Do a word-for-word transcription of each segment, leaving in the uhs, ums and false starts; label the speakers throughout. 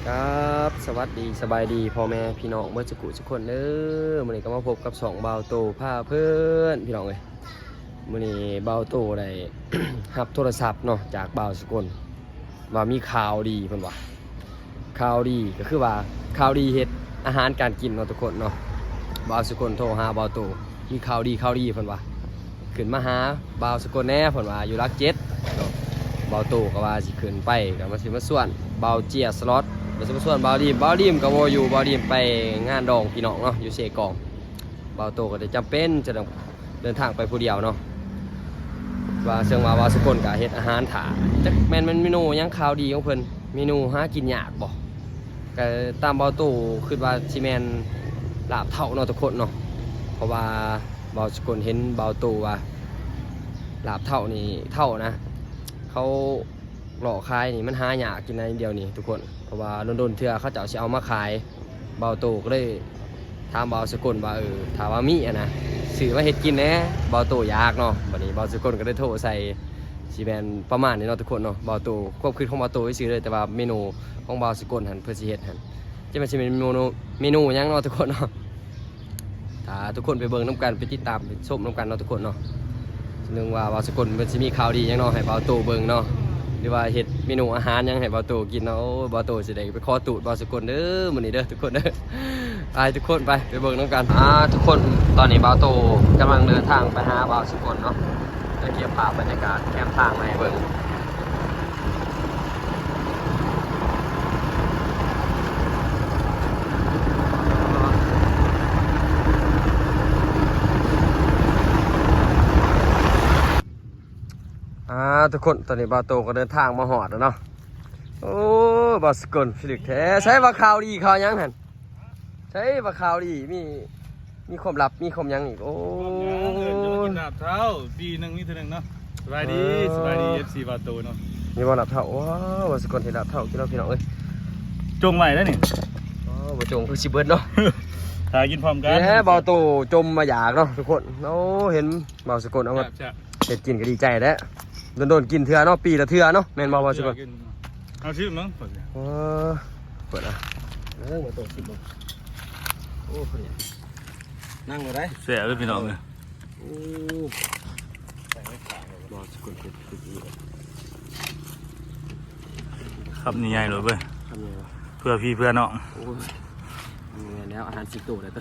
Speaker 1: ครับสวัสดีสบายดีพ่อแม่พี่น้องเมื่อสักครู่สักคนเด้อมื้อนี้ก็มาพบกับสองเบาโตพาเพื่อนพี่น้องเอ้ยมื้อนี้เบาโตได้ รับโทรศัพท์เนาะจากเบาสกลว่ามีข่าวดีเพิ่นว่าข่าวดีก็คือว่าข่าวดีเฮ็ดอาหารการกินเนาะทุกคนเนาะเบาสกลโทรหาเบาโตมีข่าวดีข่าวดีเพิ่นว่าขึ้นมาหาเบาสกลแน่เพิ่นว่าอยู่รักเจ็ดเนาะเบาโตก็ว่าสิขึ้นไปก็มาสิมาส่วนเบาเจียสล็อตมาสิมาส่วนเบาดีมเบาดีมก็บ่อยู่เบาดีมไปงานดองพี่น้องเนาะอยู่เสกองเบาโตก็ได้จำเป็นจะต้องเดินทางไปผู้เดียวเนาะว่าเชิงว่าว่าสกลก็เฮ็ดอาหารถาจักแม่นมันเมนูหยังข่าวดีของเพิ่นเมนูหากินยากบ่ก็ตามเบาโตคิดว่าสิแม่นลาบเท่าเนาะทุกคนเนาะเพราะว่าเบาสกลเห็นเบาโตว่าลาบเท่านี่เท่านะเขาหล่อขายนี่มันหายากกินในเดียวนี่ทุกคนเพราะว่าโดนๆเทื่อเขาเจ้าสิเอามาขายเบาโตก็เลยถามเบาสกลว่าเออถามว่ามีอ่ะนะซื้อมาเฮ็ดกินแหน่เบาโตอยากเนาะบัดนี้เบาสกลก็ได้โทรใส่สิแม่นประมาณนี้เนาะทุกคนเนาะเบาโตควบคิดของเบาโตซื่อเลยแต่ว่าเมนูของเบาสกลหั่นเพิ่นสิเฮ็ดหั่นจะมันสิเป็นเมนูเมนูหยังเนาะทุกคนเนาะถ้าทุกคนไปเบิ่งนํกันไปติดตามไปชมนํกันเนาะทุกคนเนาะนึงว่าเบาสกลมันสิมีข่าวดีหยังเนาะให้เบาโตเบิ่งเนาะหรือว่าเฮ็ดเมนูอาหารยังให้เบาโตกินเนาะเบาโตสิได้ไปขอตูดเบาสกลเด้อมื้อนี้เด้อทุกคนเด้อไปทุกคนไปไปเบิ่งนํกันอ่าทุกคนตอนนี้เบาโตกำลังเดินทางไปหาเบาสกลเนาะจะเก็บภาพบรรยากาศแคมป์ทางมาให้เบิ่งอ่าทุกคนตอนนี้เบาโตก็เดินทางมาฮอดแล้วเนาะโอ้บาสกลฟิลิกแท้ใช้ว่าข่าวดีข่าวยังหันใช้ว่าข่าวดีมีมีความลับมีความยังอีกโอ้
Speaker 2: ยจะมากินดาบเท้าปีหนึ่งนี่เท่านึงเนาะสบายดีสบายดีเอฟซีบาโตเนาะ
Speaker 1: มีว่าลับเท่าว้าวบาสกลเห็นลับเท่ากินเราพี่น้องเอ้ย
Speaker 2: จงไหวแล้วนี่
Speaker 1: อ๋อบ่จงคือสิเบิดเนาะ
Speaker 2: ถ่ายกินพร้อมกัน
Speaker 1: แหมเบาโตจมมาอยากเนาะทุกคนโอ้เห็นเบาสกลเอามาเฮ็ดกินก็ดีใจแล้วโดนๆกินเทื่อเนาะปีละเทื่อเนาะแม่นบ่เบาสกล
Speaker 2: เอาชื่อมั้งเปิด
Speaker 1: อ๋อเปิดอ่ะเออมาโตสิบ่โอ้คนเนี่ยนั่งเลยได้
Speaker 2: เสียเลยพี่น้องเลย
Speaker 1: โอ้ใส่ไม่ขาดเลยบอสกุลเก็บติดอีก
Speaker 2: ครับนี่ใหญ่เลยเว้ย
Speaker 1: ทำยังไงวะ
Speaker 2: เพื่อพี่เพื่อน้อง
Speaker 1: โอ้ยนี่แล้วอาหารสิบตัวเลยตัว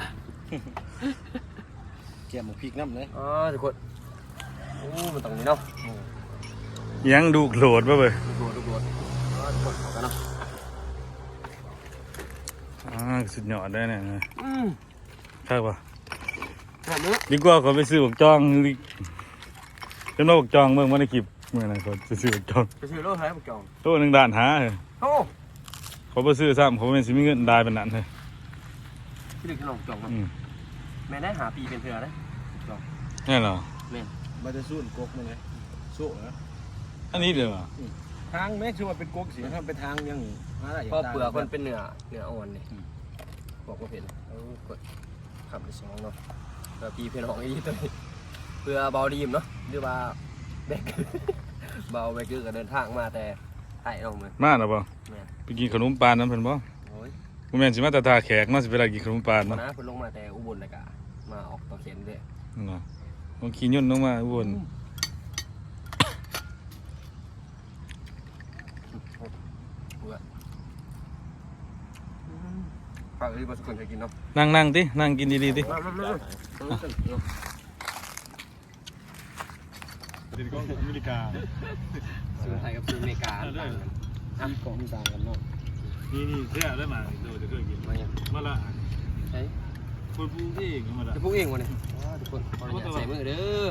Speaker 1: แกมหมูพริกน้ำเลยอ๋อทุกคนโอ้มันตรงนี้เนาะ
Speaker 2: ยังดูโหลดป่ะเว้ย
Speaker 1: ดูโหลดดูโหลดอ๋อทุกคนขอกันเนาะ
Speaker 2: อ่าสุดยอดได้เนี่ย
Speaker 1: อืม
Speaker 2: ใช่ป่ะ
Speaker 1: แบบนี้
Speaker 2: ดีกว่าเขาไปซื้อบักจองจำนวนบักจองเมื่อวันในคลิปเมื่อไหร่เขาจะซื้อบักจอง
Speaker 1: ไปซื้อโลหะบักจอง
Speaker 2: โลหนึ่งด่านหาเลย
Speaker 1: โอ้
Speaker 2: เขาไปซื้อซ้ำเขาเป็นสิมีเงินได้เป็นนั้นเลย
Speaker 1: พี่ดึกขนมจองแม่ได้หาปีเป็นเพื่อได้จอง
Speaker 2: นี่เหรอ
Speaker 1: แม่
Speaker 3: มันจะสู้กกมั้งไงสู้เหรอ
Speaker 2: อันนี้เดี๋ยว
Speaker 3: ทางแม่ชื่อว่าเป็นกกสิถ้าเป็นทางยังอะไร
Speaker 1: พอเปลือกมันเป็นเนื้อเนื้ออ่อนนี่บอกว่าเห็นเอากดขับไปสองเนาะเพื่อพี่เพื่อนของไอ้ตัวนี้เพื่อเบาดีมเนาะหรือว่าแบกเบาแบกคือก็เดินทางมาแต่ไต่เนาะเหมือน
Speaker 2: มาหรอป่ะไปกินขนมปานน้ำเพิ่นบ่ผมแม่นสิมาตาตาแขกมาสิเวลากินขนมปานเนาะ
Speaker 1: นะเพิ่นลงมาแต่อุบลเลยกะมาออกต่อเข็นด้วย
Speaker 2: เนาะผมขี่ยนต์ลงมาอุบล
Speaker 1: ฝากรีบมาสักคนจะกินเนาะ
Speaker 2: นั่งนั่งดินั่งกินดีๆดิ
Speaker 3: ดินก็อเมริกา
Speaker 1: ซื้อไทยกับซื้ออเมริกาต่างกัน
Speaker 3: อ่ะของต่างกันเนาะ
Speaker 2: นี่นี่เสียได้มาเราจะเคยกินมาอย่างมาละ
Speaker 1: ใช่
Speaker 2: คนพูดเองมาละ
Speaker 1: จะพูดเองวะเนี่ยทุกคนขออนุญาตใส่มือเด้อ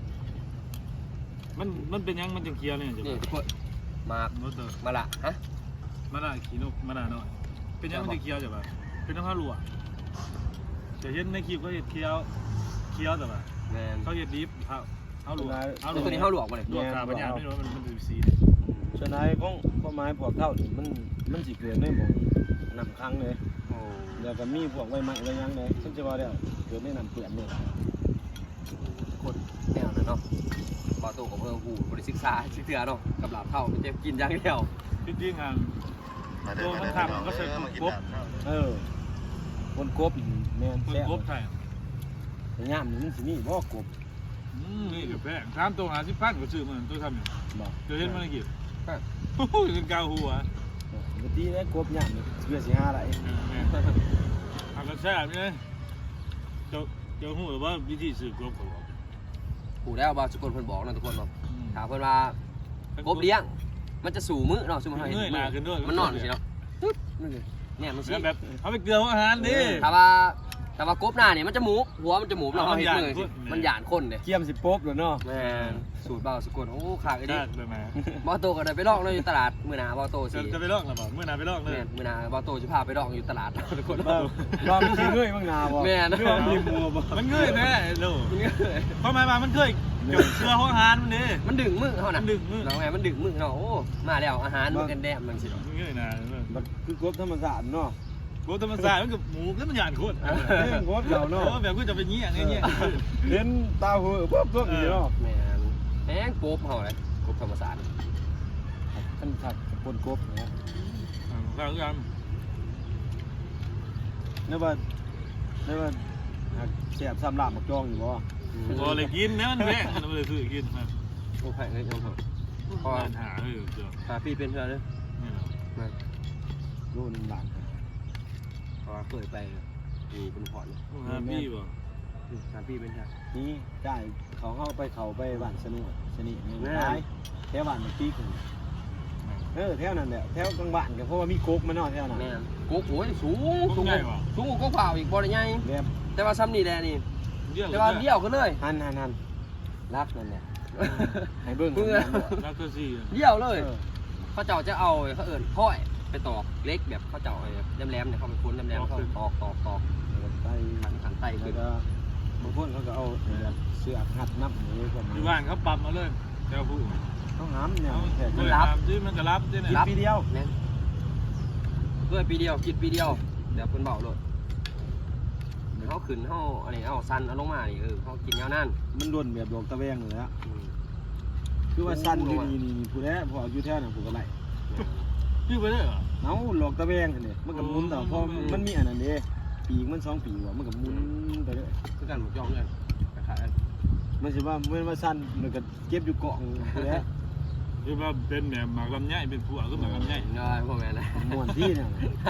Speaker 2: มันมันเป็นยังมันจะเคี้ยวเนี่ย
Speaker 1: นี่ทุกคนมามาละฮะ
Speaker 2: มาละขี้นกมาละเนาะเป็นยังมันจะเคี้ยวจ้ะป่ะเป็นน้ำผ้าลวกจะเห็นในคลิปเขาเห็ดเคี้ยวเคี้ยวแต่ป่ะเขาเห็ดดิฟเขาเขาลวก
Speaker 1: เขาตัวนี้เขาลวกมาเลย
Speaker 2: ลวกขาปัญญาไม่รู้มันมันดูสี
Speaker 3: ฉะนั้นของข้อไม้พวกเท่านี่มันมันสิเกิดได้หมดนำครั้งเลยเดี๋ยวก็มีพวกใบไม้ใบยังเลยฉันจะว่าเดี๋ยวเกิดได้นำเปลี่ยนเลย
Speaker 1: คนแนวนั้นเนาะปอตูกับเพื่อนหูบริศึกษาชิเถื่อเนาะกับหลาบเท่ามันจะกินอย่างเดียว
Speaker 2: จริงๆอ่ะตัวมันทำก็ใส่กบ
Speaker 3: เออคนกบแม่น
Speaker 2: คน
Speaker 3: แซ่บ
Speaker 2: กบไทย
Speaker 3: แต่ย่ามนี่มันสิมีบ่กบ
Speaker 2: อืมนี่กับแพงถามตัวหาสิบพันก็ซื้อมันตัวทำอยู่
Speaker 3: บ่
Speaker 2: เดี๋ยวเห็นมันกี่โอ้โหเป็นกาวหัว
Speaker 3: ปกติแล้วกบย่ามนี่เพื่อสิหาอะไร
Speaker 2: ทำกระแซ่บเนี่ยเจ้าเจ้าหูหรือว่าวิธีซื้อกบเขาบอก
Speaker 1: ผู้แล้วบางสกุลเพิ่นบอกนะทุกคนเนาะถามเพิ่นว่ากบเลี้ยงมันจะสู่มื้อเนาะสมมุติเฮาเห็น
Speaker 2: เงยหน้าขึ้นด้วย
Speaker 1: มันนอนสิเนาะตึ๊ดนี่เลยเนี่ยมันสิ
Speaker 2: แบบเอาไปเกลืออาหารดิ
Speaker 1: ถ้าว่าถ้าว่ากบหน้าเนี่ยมันจะหมูหัวมันจะหมูเนาะเฮาเห็นมื้อสิมันหยานคนเด้
Speaker 3: เกียมสิป๊บแล้วเนาะ
Speaker 1: แม่นสูตรเบาสกุลโอ้ขากไอ้ดิ
Speaker 2: ได้เลยไหม
Speaker 1: บ่โตก็ได้ไปลองเลยอยู่ตลาดมื้อหน้าบ่โตสิ
Speaker 2: จะไปลอกหรือเปล่าเมื่อนาไปลอกเลย
Speaker 1: แม่นมื้อหน้าบ่โตสิพาไปลองอยู่ตลาดทุกคน
Speaker 3: บ่บ่มีสิเงยบ้างนาบ่
Speaker 1: แม่น
Speaker 3: เรื่องมีมัวบ่
Speaker 2: มันเงยแน่ลูกเพราะหมายว่ามันเคยเกลือหัวอาหารมันดิ
Speaker 1: มันดึงมือเฮาน่ะ
Speaker 2: มันดึงมือ
Speaker 1: แล้วไงมันดึงมือเนาะโอ้มาแล้วอาหารมันกันแดมมันสิเนาะ
Speaker 2: มันเงยหน้า
Speaker 3: มันคือกบธรรมชาติเนาะ
Speaker 2: กบธรรมศาสตร์มันกับหมูแล้วมันหยาดโคตร
Speaker 3: เรื่องกบเราเนาะ
Speaker 2: แบบกูจะไปเงี้ยเงี้ย
Speaker 3: เห็นตาหัวปุ๊บปุ๊บนี่เนาะ
Speaker 1: แม่นแม่งโป๊บเฮาเลยกบธรรมศาสตร์
Speaker 3: ท่านขัดคนกบนะ
Speaker 2: ฟังกัน
Speaker 3: นึกว่านึกว่าแซ่บซ้ำลาบมักจองอยู่บ่
Speaker 2: พอเลยกินเนี่ยมันแพงมันเลยซื้อกินมา
Speaker 1: โอ้ไผเอ้ยน้องเฮา
Speaker 2: พอหาเออเจ้า
Speaker 1: พาพี่เป็นเพื่อนเด้อ
Speaker 2: เนี่ย
Speaker 1: มา
Speaker 3: โลนึงบาท
Speaker 1: เพราะว่าเคยไปอยู่บนพอร์ตเนี่ย
Speaker 2: หาพี่บ่
Speaker 1: พาพี่เป็นเพื่อน
Speaker 3: นี่จ่ายเขาเข้าไปเขาไปบ้านสนุกสนิทนี่ท้ายแถวบ้านมันปีกเออแถวนั้นแหละแถวกลางบ้านก็เพราะว่ามีกกมาเนาะแถวนั้น
Speaker 1: แม่นกบโอ้ยสูงสูง
Speaker 2: ใหญ่ว่ะ
Speaker 1: สูงกว่าเปล่าอีกบ่ได้ใหญ่
Speaker 3: แบบ
Speaker 1: แต่ว่าซ้ำนี่แหละนี่
Speaker 2: เดี่ยว
Speaker 1: แต่ว่าเลี้ยวกันเลย
Speaker 3: หันหันหันรักนั่นแหละให้เบิ่ง
Speaker 1: เพื่อ
Speaker 2: รักตัวสี่
Speaker 1: เลี้ยวเลย
Speaker 3: เออ
Speaker 1: เขาเจ้าจะเอาเขาเอิ้นค่อยไปตอกเล็กแบบเขาเจ้าไอ้แหลมๆเนี่ยเขาไปคุ้นแหลมๆเขาตอกตอกตอก
Speaker 3: ไป
Speaker 1: ขันขันไต
Speaker 3: แล้
Speaker 1: ขึ้
Speaker 3: วน ก็บางคนเขาก็เอาเสื้อหัดนับหรือประมาณ
Speaker 2: อยู่บ้านเขาปั๊มมาเลยเจ้าผู้
Speaker 3: เขาหามเนี่ยแค่
Speaker 2: มันรับที่มันก็รับที่
Speaker 3: กิน
Speaker 2: เนี่ย
Speaker 3: ปีเดียว
Speaker 1: แม่นด้วยปีเดียวกินปีเดียวเดี๋ยวเพิ่นเบาโลดเขาขึ้นเขาอันนี้เอาสั้นเอาลงมานี่เออเขากินยาวนั่น
Speaker 3: มันด่วนแบบดอกตะแวงเลยละ
Speaker 1: อืม
Speaker 3: คือว่าสั้นอยู่นี่นี่ผู้แล้พออยู่แถวนั้นผู้ก็ไล่
Speaker 2: พี่ไปได้เหรอ
Speaker 3: เอาหลอกตะแวงนี่มันก็หมุนแต่พอมันมีอันนั้นเด้ปีกมันสองปีว่ะมันก็หมุนไปเรื่อย
Speaker 1: คือกันหมดยอมกันขายกัน
Speaker 3: มันสิว่ามันว่าสั้นมันก็เก็บอยู่เกาะผู้แล้
Speaker 2: คือว่าเป็นแบบหมากลำไยเป็นผัวก็หมากลำไย
Speaker 1: ง่ายพวกแม่นะ
Speaker 3: ม่วนที่เนี่ย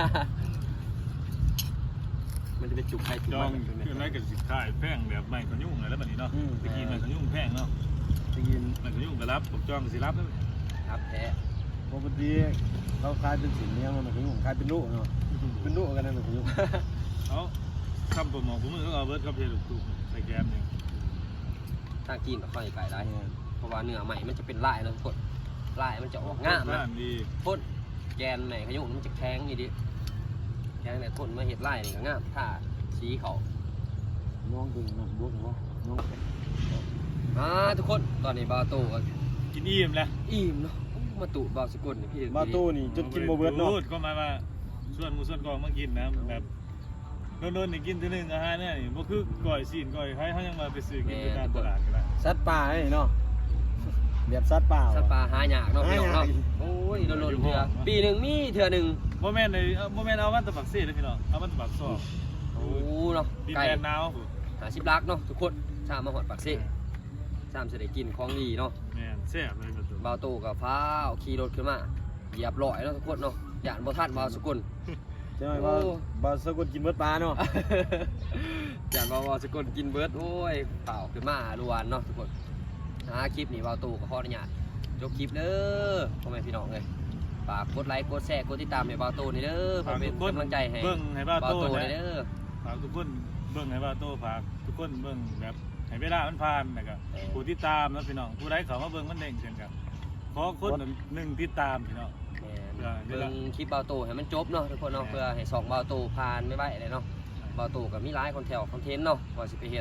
Speaker 1: มันจะเป็นจุกใครจุก
Speaker 2: จอ
Speaker 1: มั
Speaker 2: ง
Speaker 1: นเป็น
Speaker 2: คืออะไรกับสิขายแพงแบบไม่ขยุ่งอะไรแบบนี้เนาะตะกี้ไม่ขยุ่งแพงเนาะ
Speaker 3: ไปกิน
Speaker 2: ไม่ขยุ่งก็รับผมจองก็สิรับแล้ว
Speaker 1: ครับแท้
Speaker 3: ปกติเขาขายเป็นสินเนี่ยมันก็ยุ่งขายเป็นลูกเนาะเป็นลูกกันนั่นมันก็ยุ่ง
Speaker 2: เอาคำผมมองผมมือเขาเอาเบิร์ดกับเพลลูกตุ้ใส่แกมเนี่ย
Speaker 1: ทางกินก็ค่อยไก่ได้เพราะว่าเนื้อใหม่มันจะเป็นลายแล้วทุกคนลายมันจะออกงามนะ
Speaker 2: ดี
Speaker 1: พ่นแกนไหนขยุ่มมันจะแข็งนี่ดิแข็งแต่ทนมาเห็ดลายนี่ก็งามถ้าสีเขา
Speaker 3: น้องดึงน้ำบวกเนาะน้อง
Speaker 1: อ่าทุกคนตอนนี้บาโต้ก็
Speaker 2: กินอิ่มแล้ว
Speaker 1: อิ่มเนาะมาตุบาสกุลนี่พี่
Speaker 3: มาตู้นี่จนกินบ่เบิดเนาะ
Speaker 2: ก็มาว่าส่วนหมูส่วนกองมากินนะแบบโดนๆนี่กินทีนึงอาหารเนี่ยนี่บ่คือก่อยซีนก่อยไข่เขายังมาไปซื้อกินที่ตามตลาดกันละ
Speaker 3: สัตว์ป่าไอ้เนาะแบบสัตว์ป่า
Speaker 1: สัตว์ป่าหายากเนาะพี่น้องเนาะ
Speaker 3: หายาก
Speaker 1: โอ้ยโดนๆเถื่อปีหนึ่งมีเถื่อหนึ่ง
Speaker 2: โมแมนเลยโมแมนเอาวันตะบักเซ่เลยพี่น้องเอาวันตะบักซอก
Speaker 1: โอ้เนาะ
Speaker 2: ดิน
Speaker 1: ไก่
Speaker 2: แดนหนาว
Speaker 1: หาชิบลักเนาะทุกคนชามมาหอดปากเซ่ชามจะได้กินของดีเนาะ
Speaker 2: แม่นแซ่บเลยประตู
Speaker 1: บาโต้กับฟ้าวขี่รถขึ้นมาเหยียบลอยเนาะทุกคนเนาะย่านบ่ทันบาสกุล
Speaker 3: ใช่ไหมว่า
Speaker 1: โอ้
Speaker 3: บาสกุลกินเบิดปลาเนาะ
Speaker 1: ย่านบาสกุลกินเบิร์ดโอ้ยเปล่าขึ้นมาลวนเนาะทุกคนหาคลิปนี้บาโต้กับพ่ออนุญาตจบคลิปเด้อพ่อแม่พี่น้องเลยฝากกดไลค์กดแชร์กดติดตามให้บาโต้นี่เด้อเพื่อเป็นกำลังใจให้
Speaker 2: เบิ่งให้บ้า
Speaker 1: บา
Speaker 2: โต้
Speaker 1: โต้
Speaker 2: นะ
Speaker 1: นี่เด้อ
Speaker 2: ฝากทุกคนเบิ่งให้บ้าโต้ฝากทุกคนเบิ่งแบบให้เวลามันผ่านนะครับผู้ที่ตามนะพี่น้องผู้ใดเขามาเบิ่งมันเด้งเช่นกันขอคนหนึ่งที่ตามพี่น้อง
Speaker 1: แม่นเบิ่งคลิปบาโต้ให้มันจบเนาะทุกคนเนาะเพื่อให้สองบาโต้ผ่านไม่ไหวเลยเนาะบาโต้กับมีหลายคอนเทนต์คอนเทนต์เนาะว่าสิไปเฮ็ด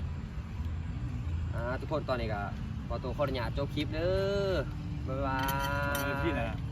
Speaker 1: อ่าทุกคนตอนนี้ก็บาโต้ขออนุญาตจบคลิปเด้อบ๊ายบาย
Speaker 2: พี่นะ